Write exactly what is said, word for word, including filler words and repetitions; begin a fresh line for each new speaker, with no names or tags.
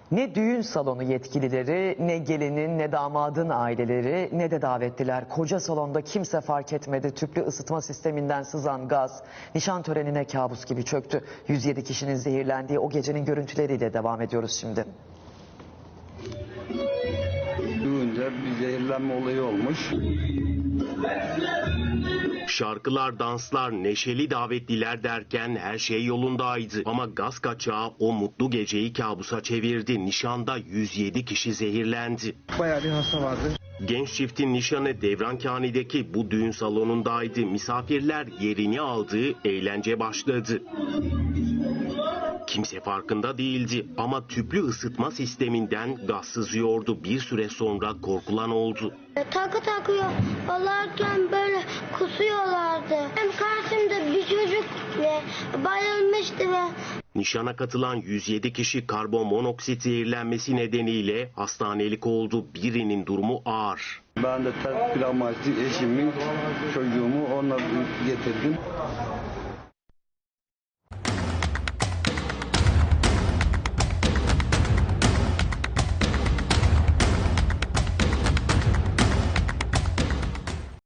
Ne düğün salonu yetkilileri, ne gelinin, ne damadın aileleri, ne de davetliler. Koca salonda kimse fark etmedi. Tüplü ısıtma sisteminden sızan gaz nişan törenine kabus gibi çöktü. yüz yedi kişinin zehirlendiği o gecenin görüntüleriyle devam ediyoruz şimdi.
Duyunca bir zehirlenme olayı olmuş.
Şarkılar, danslar, neşeli davetliler derken her şey yolundaydı. Ama gaz kaçağı o mutlu geceyi kabusa çevirdi. Nişanda yüz yedi kişi zehirlendi.
Bayağı bir hasta vardı.
Genç çiftin nişanı Devrankani'deki bu düğün salonundaydı. Misafirler yerini aldı, eğlence başladı. Kimse farkında değildi ama tüplü ısıtma sisteminden gaz sızıyordu. Bir süre sonra korkulan oldu.
Takı takıyorlarken böyle kusuyorlardı. Hem karşımda bir çocuk ve bayılmıştı ve...
Nişana katılan yüz yedi kişi karbonmonoksit zehirlenmesi nedeniyle hastanelik oldu. Birinin durumu ağır.
Ben de ters bir amaçlı eşimi, çocuğumu onunla getirdim.